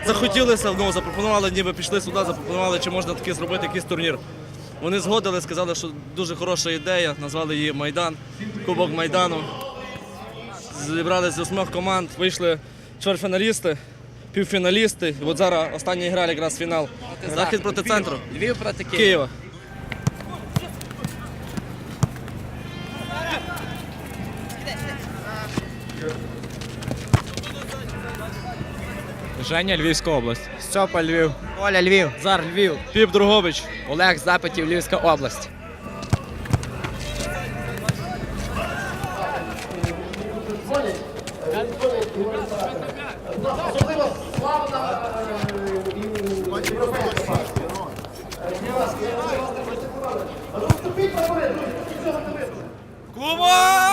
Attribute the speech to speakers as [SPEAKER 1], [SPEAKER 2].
[SPEAKER 1] захотілося, запропонували, ніби пішли сюди, запропонували, чи можна таки зробити якийсь турнір. Вони згодили, сказали, що дуже хороша ідея, назвали її «Майдан», Кубок Майдану. Зібрали з 8 команд, вийшли чвертьфіналісти, півфіналісти. І от зараз остання гра, якраз фінал. Захід проти центру.
[SPEAKER 2] Львів проти
[SPEAKER 1] Києва.
[SPEAKER 3] Женя, Львівська область.
[SPEAKER 2] Стьопа, Львів. Оля, Львів.
[SPEAKER 3] Зар, Львів.
[SPEAKER 1] Піп Другобич.
[SPEAKER 2] Олег, Запитів, Львівська область.
[SPEAKER 1] Клуба!